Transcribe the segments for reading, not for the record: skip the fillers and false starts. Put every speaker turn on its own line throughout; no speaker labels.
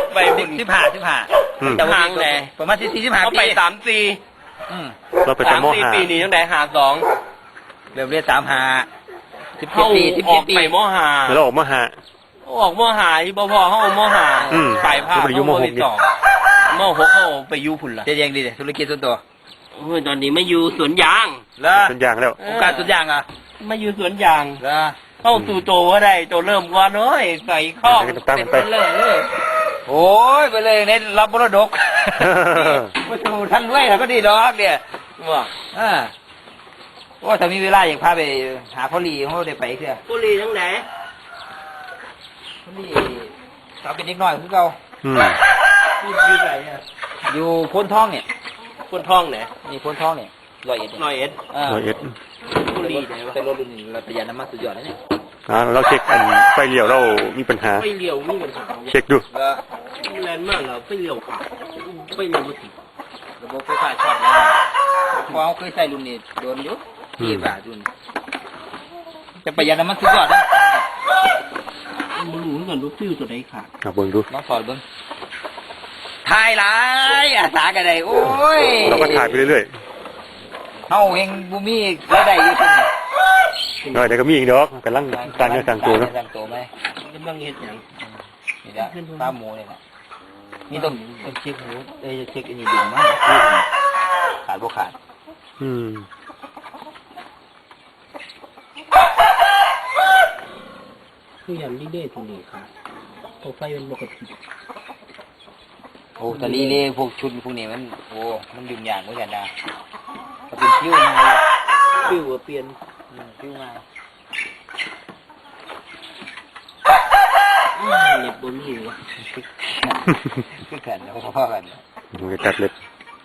ไป
15
แต่ห่างแหละ
ประมาณ15
เขา
ปี
ไป3-4
เราไปแต่ม.5
ปีนี้ตั้งแต่
เริ่มเรียน35
เขา
17 ปี
ออก
17 ปี
ไปม.5
แล้วเราออกม.5
ออกม.5ที่บ่พอเขาม.5 ไปภาค
ไปอยู่ม.6
ที่2ม.6เขาไปอยู่พุ่นล่ะ
เจ๊ยังดีเลยธุรกิจส่วนตัว
โอ้ยตอนนี้ไม่อยู่สวนยาง
แล้ว
เป็นอย่างแล้ว
โอกาสสุดอย่างอ่ะ
ไม่อยู่สวนยาง
แล้ว
เข้าสู่โตก็ได้โตเริ่มก่อนเอ้ยใส่ข้อ
ตาม
เป็น
ไป
เลย
โอ้ยไปเลยในรับบรดกมาสู่ท่านรวยแล้วก็ดีดอกเนี่ย
ว่า
ว่าถ้ามีเวลาอยากพาไปหาพ่อลีเขาได้ไปเถอะ
บุรีทั้งไหน
พ่อลีเราเป็นเด็กน้อยคือเรา
อืม
อยู่ไหนเนี่ย
อยู่พ้นท้องเนี่ย
คนท้องไหน
นี่พ้นท้องเนี่ย101
หน่อยเอ็ด
101
บุรีไหนวะ
เป็นรถรุ่นเราประหยัดน้ำมันสุดยอดนะเนี่ย
เราเช็คอันไฟเลี้ยวเรามีปัญหา
ไปเลี้ยวนี่มันหา
เช็คดู
แรงมากเหรอไปเลี้ยวขวาไปเลี้ยวบุตร
ระบบไฟฟ้าช็อตนะเพราะเขาเคยใส่รุ่นนี้โดนอยู่ที่บาทรุ่นจะประหยัดน้ำมันสุดยอดนะ
ไม่รู้เหมือนกันรถฟิวตัวไหนขาด
เบิ่งดู
น้องสอนเบิ้งถ่ายหลายอาสากันได้โอ้ย
เราก็ถ่ายไปเรื่อย
เฮาเฮงบุมีรายได้อยู่ที่นี่
ๆเดี๋ยวก็มีอีกดอกกำลังการเงินการตัวเนาะ
ต่างตัวไหม
กำลังเห็ดอย่าง
นี่ละปลาหมูนี่แหละนี่ต้องเช็คหมูเช็คอันนี้ดึงมั้งขาดบ่ขาด
อืม
คืออย่างนี้ได้ตัวนี้ค่ะตัวไฟมันปกติ
โอ้ตะลีเล่พวกชุดพวกนี้มันโอ้มันยุ่งยากเหมือนกันนะมันเป็นคิ้วไง
ฟิวเปลี่ยน
คิ้วไง
เน็ตบนหิว
คือกันแล้วพ่อกัน
มันจะตัดเล็บ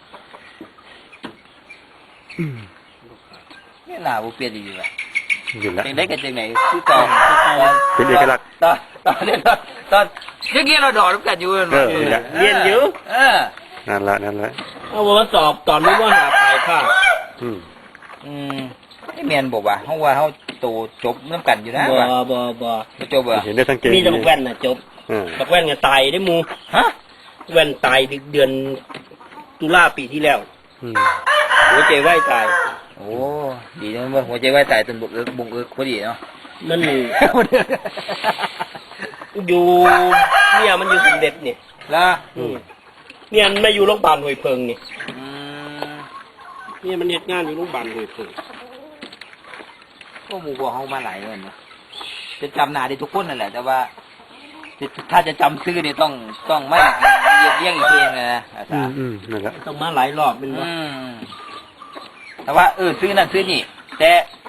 นี่หน้าบ่เปลี่ยนอยู่อ่ะ
อยู่แล้ว
จังได๋กันจังไหนคือต่อ
เป็นเอกลักษณ์
ตอนเมื่อกี้เราดอดกันอยู่
นี่แหละ
เรียนอยู่
นั่นละ
เอามาสอบตอนนี้ว่าหาปลายภาค
อืม
นี่แม่นบอกว่าเฮาว่าเฮาโตจบนํกันอยู่นะว่า
บ่
จบอ่ะ
เห็นได้สังเกต
มีแต่บักแว่นน่ะจบ
อ่า
บักแว่นก็ตายได้หมู
ฮะ
แว่นตายเดือนตุลาปีที่แล้ว
อืม
หัวใจไหวตาย
โอ้ดีนะว่าหัวใจวายตายจนบุกเอิกพอดีเนาะ
มันอยู่เนี่ยมันอยู่สมเด็จนี่
ล่ะ
เนี่ยมันมาอยู่โรงพยาบาลห้วยเพิงนี่
อืม
เนี่ยมันเฮ็ดงานอยู่โรงพยาบาลห้วยเพิง
ก็หมู่บ่เฮามาหลายเงินนะจะจำหน้าได้ทุกคนนั่นแหละแต่ว่าถ้าจะจำชื่อนี่ต้องไม่เรียบเรียงอีกทีนะอาจารย์
นั่นแหละ
ต้องมาหลายรอบเป็นว่า
แต่ว่าซื้อนั่นซื้อนี่แต่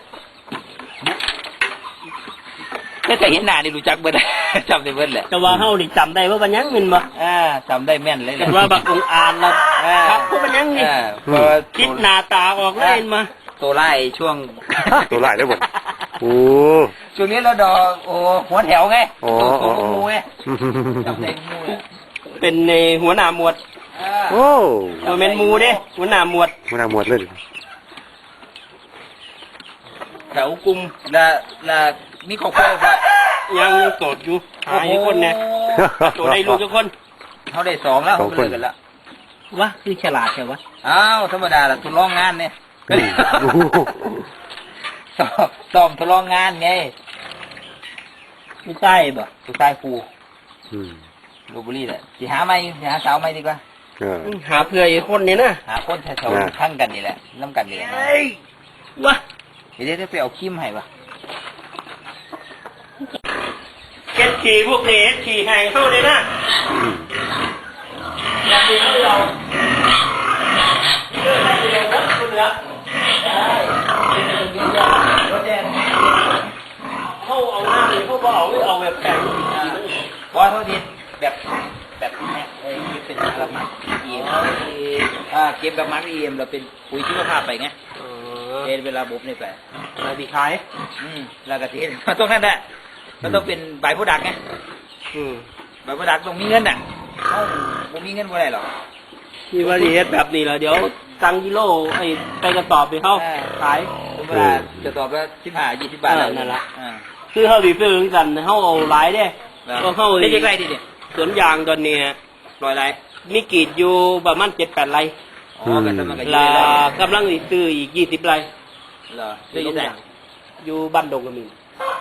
เห็นหน้านี่รู้จักเบิด จำได้เบิดแหละ
แต่ว่าเฮานี่จำได้ว่ามันยังแม่นบ่
จำได้แม่นเลยแห
แต่
ละ
ว่าบักองอานละครับว่ามันยังนี่
เพราะ
คิดหน้าตาออกแล้วเห็นมา
ตัวไล่ช่วง
ตัวลายได้บ่โอ้
ช่วงนี้เราดอกหัวแถวไง
อ๋อ
ตัวงูไงจำได้งูไง
เป็นในหัวหน้าหมวด
โอ้
บ่แม่นหมู่เด้หัวหน้าหมวด
มันน่าหมดเลย
แถวกลุ่ม
แล้วมีครอบครัวป่ะ
ยังโสดอยู่หาอีกคนแน่ตัวได้ลูกทุกคน
เขาได้2แล้วเขาเลิกกันแล้ว
วะคือฉลาดแค่วะ
อ้าวธรรมดาละทดลองงานเนี่ย ซ้อมทดลองงานไง
ไม่ใช่บ่
สุดท้ายครู
อืม
ลพบุรีแหละสิหาไหมสิหาสาวไหมดีกว่า
หาเพื่ออีกคนนี่นะ
หาคนแถวๆทั้งกันนี่แหละน้ำกันนี่แหละ
วะ
เดี๋ยวไปเอาคิมให้ป่ะ
เก็ดขี่พวกนี้ขี่แหงเข้าเลยนะอยากดูเราเลือกให้ดูนะคุณเหลือ
รถแดง
เขาเอาหน้าหรือเขาบอกเอาแบบแข็ง
บอสโทษทีแบบเนี่ยเป็นระมัดเอ็มเก็บระมัดเอ็มเราเป็นปุ๋ยชีวภาพไปไงเป็นเวลาบุบนี่ไป
อะไรดีขาย
แล้วก็ที่มันต้องนั่นแหละมันต้องเป็นใบผู้ดักไงใบผู้ดักต้องมีเงินน่ะเขาบ่มีเงินบ่ได้หรอก
มีวารีเอสแบบนี้แล้วเดี๋ยวตังกิโลไอ้ไปกระสอบไปเข้าขาย
เวลาจะตอบว่า15-20 บาท
นั่นละคือเขาดีซื้อกันเขาเอาหลายเด้ก็เข้า
ได้ยังไงดิเนี่ย
สวนยางตอนนี้
ร้อยไร
มีกรีดอยู่ประมาณ7-8 ไร่
อ๋อกันแต่มันก็อยู่
แล้
ได้
ว
แล้ว
กำลังสิซื้ออีก20 ไร่
เหรอซื้ออยู่ไหน
อยู่บ้านดงกระมิน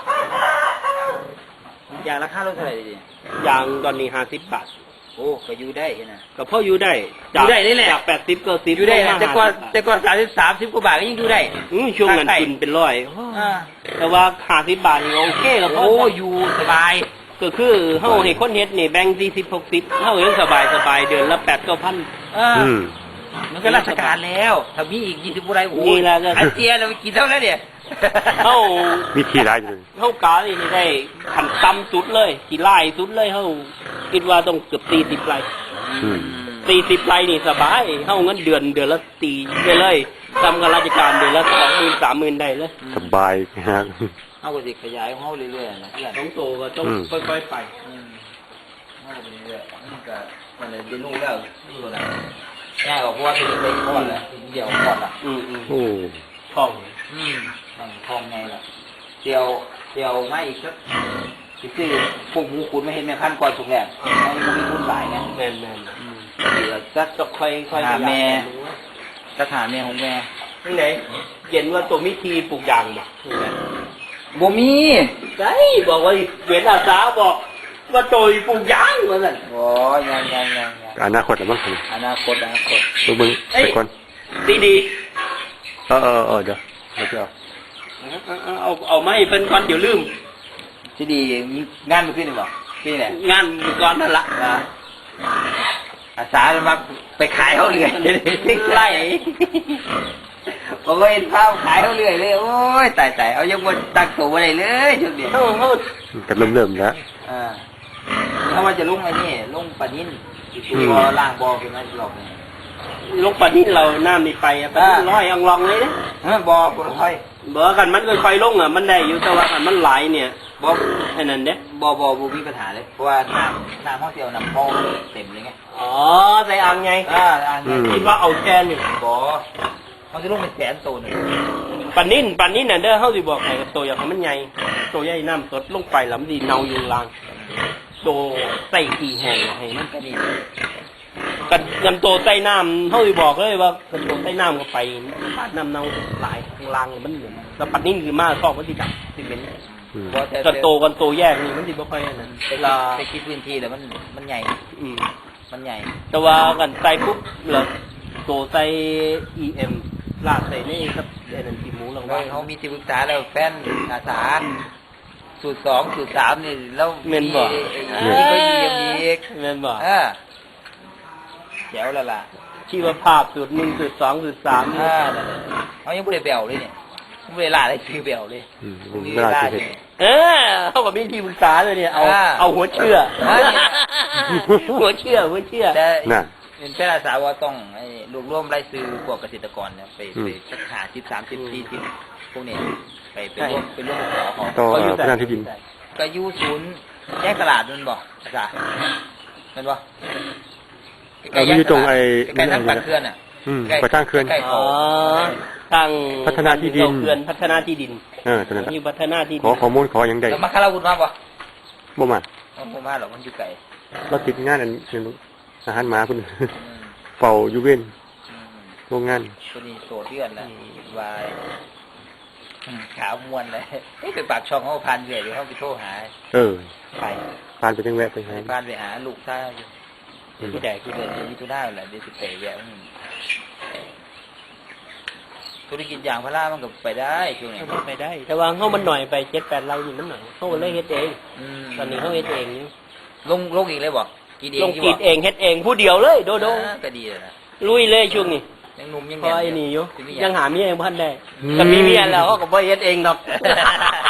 ยางราคาเท่าไหร่ดิ
ยางตอนนี้50 บาท
โอ้ก็อยู่ได้นะ
ก็พออยู่ได้
อยู่ได้นี่แหละ
จาก80ก็10
อยู่ได้
ลงมา
แต่ก่อน
50
แต่ก่อน30กว่าบาทก็ยังอยู่ได้
ช่วงนั้นกินเป็นร้อย
อ่า
แต่ว่า50 บาทนี่โอเคแล้ว
โอ้อยู่สบาย
ก็คือเฮาให้คนเฮ็ดนี่แบ่ง40-60เฮายังสบายเดือนละ8-9,000
อ่า
อืม
มันก็ราชการแล้วถ้ามีอีก20กว่าไรโอ้
นี่แหละก็
อันเจียเราไปกินเท่านั้นเนี่ย
เฮา
มีที่ร้ายอยู่เลย
เฮากานี่ได้ขันต่ำสุดเลยที่ไล่สุดเลยเฮาคิดว่าต้องเกือบ40 ไร่
อืม
40 ไร่นี่สบายเฮาเงินเดือนละ4ไปเลยทำกับราชการเดือนละ20,000-30,000ได้เลย
สบายฮะ
เอาก็สิขยายของเฮาเรื่อยๆนะเพื่อน
ต้องโตก็ต้อง
อืม
ค่อยๆไป
เอาไปเรื่อยๆมันก็มันเลยเรียนรู้แล้วนี่ก็ได้ง่ายกว่าเพราะว่าเป็นไปก่อนแหละเดี๋ยวก่อนล่ะ
โอ้
ท่อง
นั่งทองไงล่ะเดี๋ยวไม่อีกสักสิซื้อพวกหมูขุนไม่เห็นแม่พันก่อนสุกแรกมันมีทุนหลายไง
แม่น
เดี๋ยวสัก
ๆจะค่อยๆ
หาแม่
ขยาย
สักหาแม่ของแม่
ที่ไหนเย็นว่าตัวมิทีปลูกยางบ่
บ่มี
ใช่บอกว่าเวียนอาสาบอกว่าโตยปลูกยางว่าซั่น
โอ้ยัง
อนาคตแล้วมั้ง
อนาคต
ดูมึงไปก่อน
ดี
เดี๋ยวจะเอา
ๆเอาไมาให้เพิ่นก่อนเดี๋ยวลืม
ที่ดีงานมันขึ้นหรือเปล่าที่ไหน
งานก่อนนั่นละ
อาสาจะมาไปขายเขาเรื่อย
ไล่
บอกว่าเห็นภาพขายเขาเรื่อยเลยโอ้ยตายเอายังบนตักตัวอะไรเลยจุดเดียว
เฮา
กันเริ่มแล้ว
ถ้าว่าจะลงไอ้นี่ลงปะนิ่นบอล่างบอเป็นไงหลอกเนี่ย
ลงปะนี่เราน้ำนี่ไปอะปะนี่ร้อยอังลองเลยเด้
บอคนค่อย
บ่กันมันค่อยๆลงอ่ะมันได้อยู่แต่ว่าคันมันหลายเนี่ย
บอ
ไอ้นั่นเด้
บมีปัญหาเลยเพราะว่าน้ำห้องเดียวน้ำมองเต็มเลยไง
อ๋อใส่อ่างไง
อันนี้
คิดว่าเอาแค่นี่
บอมันจะลงเป็นแสนตัวหนึ่ง
ปานนี้น่ะเด้อเฮาสิบอกให้กับตัวอย่างให้มันใหญ่ตัวใหญ่น้ำสดลงไปแล้วมันสิเน่าอยู่ล่างตัวใส่ขี้แห้งให้มัน
ก็นี่
กันตัวใต้น้ำเฮาสิบอกเลยว่ากันตัวใต้น้ำก็ไปน้ำเน่าหลายข้างล่างมันเหมือนแล้วปานนี้คือมาซอกมันสิดับสิเป็น
บอแต่
กันโตแยกนี่มันสิบ่ค่อยอันนั้นเวลา
ไปคิดพื้นที่แล้วมันใหญ่
อืม
มันใหญ่
แต่ว่ากันใส่ปุ๊บแล้วโตใส่ EM ลากใส่นี่ครับไอ้นั่นที่หมูลง
เราเขามีที่ปรึกษาแล้วแฟนอาสาสูตร2สูตร3นี่แล้ว
แม่นบ่
นี่ก็เยี่ยมอีก
แม่นบ่
แจ๋วแล้วล่ะ
ชีวภาพสูตร1สูตร2สูตร3นี่
เขายังไม่ได้เบลเลยเนี่ยไม่ได้ล่าได้ชื่อเบลเลย
ไม่ได้สิ
เขาก็มีที่ปรึกษาเลยเนี่ย
อ่า
เอาหัวเชื่อ
อ่า
หัวเชื่อ
แต่
น่ะ
เป็นแฟนอาสาว่าต้องรวบรวมรายชื่อพวกเกษตรกรเนี่ยไปสัก50 30 40พวกนี้ไปร่วมขอของ
ต่อพนันที่ดิน
ก็อยู่ศูนย์แยกตลาดนั่นบ่อาจารย์นั่นบ่
มันอยู่ตรงไอ้
ใกล้ทางปันเขื่อนอ่ะ
ไปทางเขื่อน
ใกล้
อ๋
เขา
อทาง
พัฒนาที่ดิน
เขื่อนพัฒนาที่ดิน
ตอนนั้น
มีพัฒนาที่ดิ
ขอข้อมูลขออย่างใด
แล้วมาคาราวุธมาบ่
บ่มา
บ่มาหรอกมันอยู่ไกล
เราติดงานอันอาหารหมาคุณเป่าอยู่เว้นโรงงาน
ตัวนี้โสดเดือนแล้ววายขาวมวนเลยไปปากช่องเขาพันเรื่อยเดี๋ยวเขาไปโทรหา ไป
พานไปจังแวะไปหา
บ้านไปหาลูกท่าอยู่ที่แดกที่เดินที่ทุน่าแหละเดี๋ยวสิไปแวะธุรกิจอย่างพระรามันก็ไปได้ช่วงนี้
ไปได้ แต่ว่าเขามันหน่อยไป7-8 ไร่นี่มันหน่อยเขาเลยเฮ็ดเอง ตอนนี้เขาเฮ็ดเองนี่
ลงอีกเลยบอกกินเอง
ลงกรีดเองเฮ็ดเองผู้เดียวเลยโด
ก็ดีเลยนะ
ลุยเลยช่วงนี้
ยังหนุ่มยัง
พอไอ้นี่อยู่
สิมี
ยังหาเมียยังพันได้ถ้ามีเมียแล้วเขาก็บ่เฮ็ดเองดอก